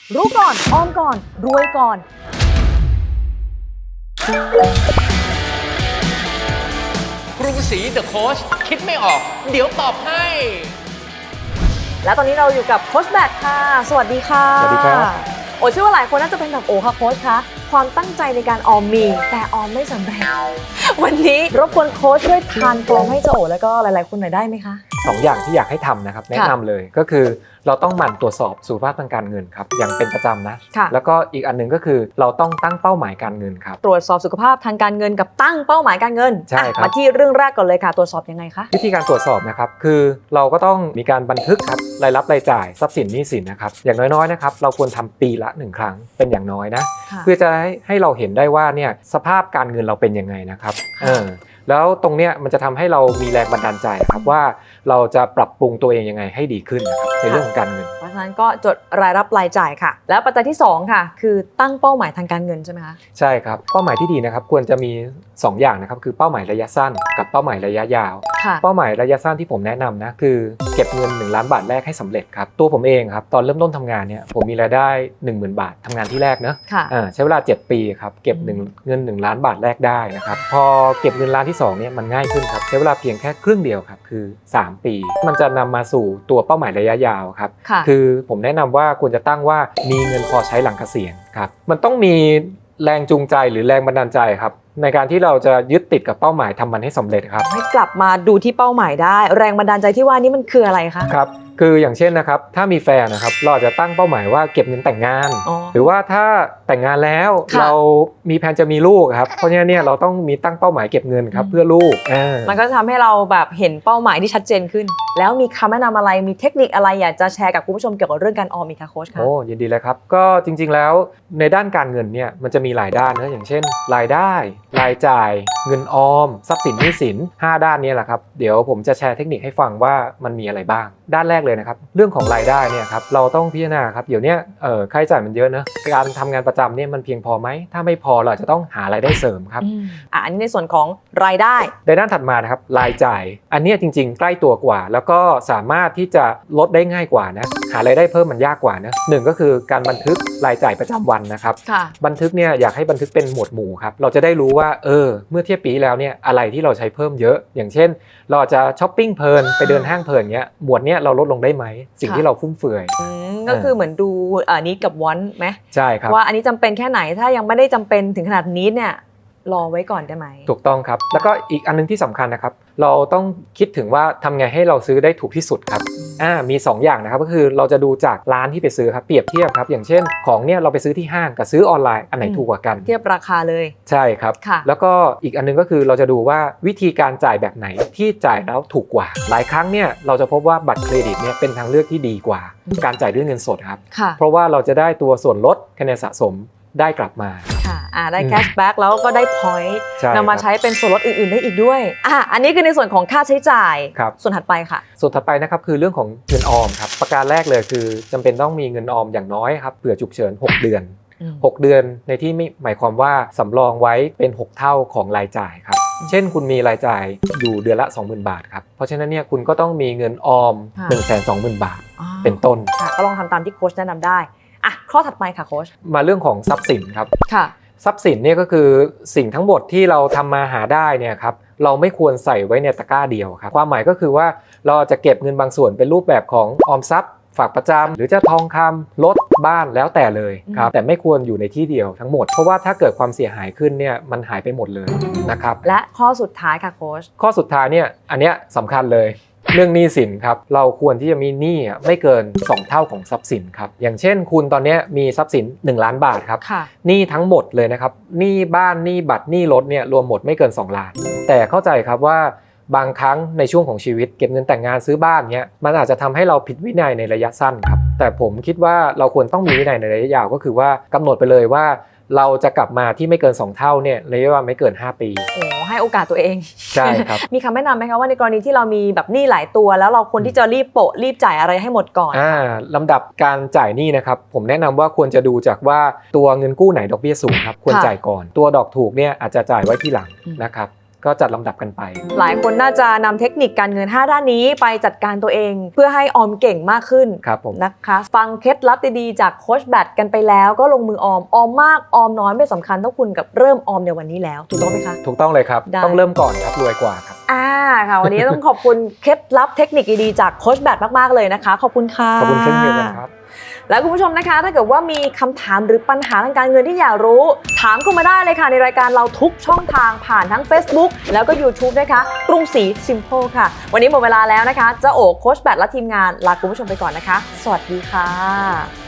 รู้ก่อนออมก่อนรวยก่อนครูศรีเดอะโค้ชคิดไม่ออกเดี๋ยวตอบให้และตอนนี้เราอยู่กับโค้ชแบทค่ะสวัสดีค่ะสวัสดีครับโอ้เชื่อว่าหลายคนน่าจะเป็นแบบโอ้ค่ะโค้ชคะความตั้งใจในการออมมีแต่ออมไม่สำเร็จวันนี้รบกวนโค้ชช่วยทานกลมให้เจ้าโอ๋แล้วก็หลายๆคนหน่อยได้ไหมคะ 2 อย่างที่อยากให้ทำนะครับแนะนำเลยก็คือเราต้องหมั่นตรวจสอบสุขภาพทางการเงินครับอย่างเป็นประจำนะแล้วก็อีกอันนึงก็คือเราต้องตั้งเป้าหมายการเงินครับตรวจสอบสุขภาพทางการเงินกับตั้งเป้าหมายการเงินใช่ครับมาที่เรื่องแรกก่อนเลยค่ะตรวจสอบยังไงคะวิธีการตรวจสอบนะครับคือเราก็ต้องมีการบันทึกครับรายรับรายจ่ายทรัพย์สินหนี้สินนะครับอย่างน้อยๆนะครับเราควรทำปีละ1 ครั้งเป็นอย่างน้อยนะเพื่อจะให้เราเห็นได้ว่าเนี่ยสภาพการเงินเราเป็นยังไงนะครับแล้วตรงเนี้ยมันจะทำให้เรามีแรงบันดาลใจครับว่าเราจะปรับปรุงตัวเองยังไงให้ดีขึ้นนะครับในเรื่องของการเงินเพราะฉะนั้นก็จดรายรับรายจ่ายค่ะแล้วปัจจัยที่2ค่ะคือตั้งเป้าหมายทางการเงินใช่ไหมคะใช่ครับเป้าหมายที่ดีนะครับควรจะมี2 อย่างนะครับคือเป้าหมายระยะสั้นกับเป้าหมายระยะยาวเป้าหมายระยะสั้นที่ผมแนะนำนะคือเก็บเงิน1 ล้านบาทแรกให้สำเร็จครับตัวผมเองครับตอนเริ่มต้นทำงานเนี่ยผมมีรายได้ 10,000 บาททำงานที่แรกนะใช้เวลา7 ปีครับเก็บเงิน1 ล้านบาทแรกได้นะครับพอเก็บเงินล้านที่2เนี่ยมันง่ายขึ้นครับใช้เวลาเพียงแค่ครึ่งเดียวครับคือ3 ปีมันจะนำมาสู่ตัวเป้าหมายระยะยาวครับคือผมแนะนำว่าควรจะตั้งว่ามีเงินพอใช้หลังเกษียณครับมันต้องมีแรงจูงใจหรือแรงบันดาลใจครับในการที่เราจะยึดติดกับเป้าหมายทำมันให้สำเร็จครับให้กลับมาดูที่เป้าหมายได้แรงบันดาลใจที่ว่านี้มันคืออะไรคะครับคืออย่างเช่นนะครับถ้ามีแฟนนะครับเราจะตั้งเป้าหมายว่าเก็บเงินแต่งงานหรือว่าถ้าแต่งงานแล้วเรามีแผนจะมีลูกครับเพราะฉะนั้นเนี่ยเราต้องมีตั้งเป้าหมายเก็บเงินครับเพื่อลูกมันก็จะทำให้เราแบบเห็นเป้าหมายที่ชัดเจนขึ้นแล้วมีคำแนะนำอะไรมีเทคนิคอะไรอยากจะแชร์กับคุณผู้ชมเกี่ยวกับเรื่องการออมอีกคะโค้ชคะโอ้ยินดีเลยครับก็จริงๆแล้วในด้านการเงินเนี่ยมันจะมีหลายด้านนะอย่างเช่นรายได้รายจ่ายเงินออมทรัพย์สินหนี้สิน5 ด้านนี้แหละครับเดี๋ยวผมจะแชร์เทคนิคให้ฟังว่ามันมีอะไรบ้างด้านแรกเลยนะครับเรื่องของรายได้เนี่ยครับเราต้องพิจารณาครับเดี๋ยวนี้ค่าใช้จ่ายมันเยอะนะการทำงานประจำเนี่ยมันเพียงพอไหมถ้าไม่พอเราจะต้องหารายได้เสริมครับอันนี้ในส่วนของรายได้ในด้านถัดมานะครับรายจ่ายอันนี้จริงๆใกล้ตัวกว่าแล้วก็สามารถที่จะลดได้ง่ายกว่านะหารายได้เพิ่มมันยากกว่านะหนึ่งก็คือการบันทึกรายจ่ายประจำวันนะครับบันทึกเนี่ยอยากให้บันทึกเป็นหมวดหมู่ครับเราจะได้รู้ว่าเมื่อเทียบปีแล้วเนี่ยอะไรที่เราใช้เพิ่มเยอะอย่างเช่นเราจะช้อปปิ้งเพลินไปเดินห้างเพลินเงี้ยหมวดเนี้ยเราลดลงได้ไหมสิ่งที่เราฟุ่มเฟือยก็คือเหมือนดูneed กับ want ไหมใช่ครับว่าอันนี้จำเป็นแค่ไหนถ้ายังไม่ได้จำเป็นถึงขนาดneedเนี่ยรอไว้ก่อนได้ไหมถูกต้องครับแล้วก็อีกอันนึงที่สำคัญนะครับเราต้องคิดถึงว่าทำไงให้เราซื้อได้ถูกที่สุดครับมี2 อย่างนะครับก็คือเราจะดูจากร้านที่ไปซื้อครับเปรียบเทียบครับอย่างเช่นของเนี่ยเราไปซื้อที่ห้างกับซื้อออนไลน์อันไหนถูกกว่ากันเทียบราคาเลยใช่ครับแล้วก็อีกอันนึงก็คือเราจะดูว่าวิธีการจ่ายแบบไหนที่จ่ายแล้วถูกกว่าหลายครั้งเนี่ยเราจะพบว่าบัตรเครดิตเนี่ยเป็นทางเลือกที่ดีกว่าการจ่ายด้วยเงินสดครับเพราะว่าเราจะได้ตัวส่วนลดคะแนนสะสมได้กลับมาได้แคชแบ็กแล้วก็ได้พอยต์นำมาใช้เป็นส่วนลดอื่นๆได้อีกด้วยอันนี้คือในส่วนของค่าใช้จ่ายส่วนถัดไปค่ะส่วนถัดไปนะครับคือเรื่องของเงินออมครับประการแรกเลยคือจำเป็นต้องมีเงินออมอย่างน้อยครับเผื่อฉุกเฉิน6 เดือน6 เดือนในที่ไม่หมายความว่าสำรองไว้เป็น6 เท่าของรายจ่ายครับเช่นคุณมีรายจ่ายอยู่เดือนละ 20,000 บาทครับเพราะฉะนั้นเนี่ยคุณก็ต้องมีเงินออม 120,000 บาทเป็นต้นก็ลองทำตามที่โค้ชแนะนำได้ข้อถัดไปค่ะโค้ชมาเรื่องของทรัพย์สินครับทรัพย์สินเนี่ยก็คือสิ่งทั้งหมดที่เราทำมาหาได้เนี่ยครับเราไม่ควรใส่ไว้ในตะกร้าเดียวครับความหมายก็คือว่าเราจะเก็บเงินบางส่วนเป็นรูปแบบของออมทรัพย์ฝากประจำหรือจะทองคำรถบ้านแล้วแต่เลยครับแต่ไม่ควรอยู่ในที่เดียวทั้งหมดเพราะว่าถ้าเกิดความเสียหายขึ้นเนี่ยมันหายไปหมดเลยนะครับและข้อสุดท้ายค่ะโค้ชข้อสุดท้ายเนี่ยอันเนี้ยสำคัญเลยเรื่องหนี้สินครับเราควรที่จะมีหนี้ไม่เกิน2 เท่าของทรัพย์สินครับอย่างเช่นคุณตอนนี้มีทรัพย์สิน1 ล้านบาทครับหนี้ทั้งหมดเลยนะครับหนี้บ้านหนี้บัตรหนี้รถเนี่ยรวมหมดไม่เกิน2 ล้านแต่เข้าใจครับว่าบางครั้งในช่วงของชีวิตเก็บเงินแต่งงานซื้อบ้านเนี่ยมันอาจจะทำให้เราผิดวินัยในระยะสั้นครับแต่ผมคิดว่าเราควรต้องมีวินัยในระยะยาวก็คือว่ากำหนดไปเลยว่าเราจะกลับมาที่ไม่เกิน2 เท่าเนี่ยระยะเวลาไม่เกิน5 ปีให้โอกาสตัวเองใช่ครับมีคำแนะนำไหมคะว่าในกรณีที่เรามีแบบหนี้หลายตัวแล้วเราควรที่จะรีบจ่ายอะไรให้หมดก่อนลำดับการจ่ายหนี้นะครับผมแนะนำว่าควรจะดูจากว่าตัวเงินกู้ไหนดอกเบี้ยสูงครับควรจ่ายก่อนตัวดอกถูกเนี่ยอาจจะจ่ายไว้ที่หลังนะครับก็จัดลำดับกันไปหลายคนน่าจะนำเทคนิคการเงิน 5 ด้านนี้ไปจัดการตัวเองเพื่อให้ออมเก่งมากขึ้นครับผมนะคะฟังเคล็ดลับดีๆจากโค้ชแบทกันไปแล้วก็ลงมือออมมากออมน้อยไม่สำคัญเท่าคุณกับเริ่มออมในวันนี้แล้วถูกต้องไหมคะถูกต้องเลยครับได้ต้องเริ่มก่อนครับรวยกว่าครับค่ะวันนี้ต้องขอบคุณเคล็ดลับเทคนิคดีๆจากโค้ชแบทมากๆเลยนะคะขอบคุณค่ะขอบคุณเช่นเดียวกันครับและคุณผู้ชมนะคะถ้าเกิดว่ามีคำถามหรือปัญหาทางการเงินที่อยากรู้ถามเข้ามาได้เลยค่ะในรายการเราทุกช่องทางผ่านทั้ง Facebook แล้วก็ YouTube นะคะกรุงศรี Simple ค่ะวันนี้หมดเวลาแล้วนะคะเจ้าโอ๋โค้ชแบทและทีมงานลาคุณผู้ชมไปก่อนนะคะสวัสดีค่ะ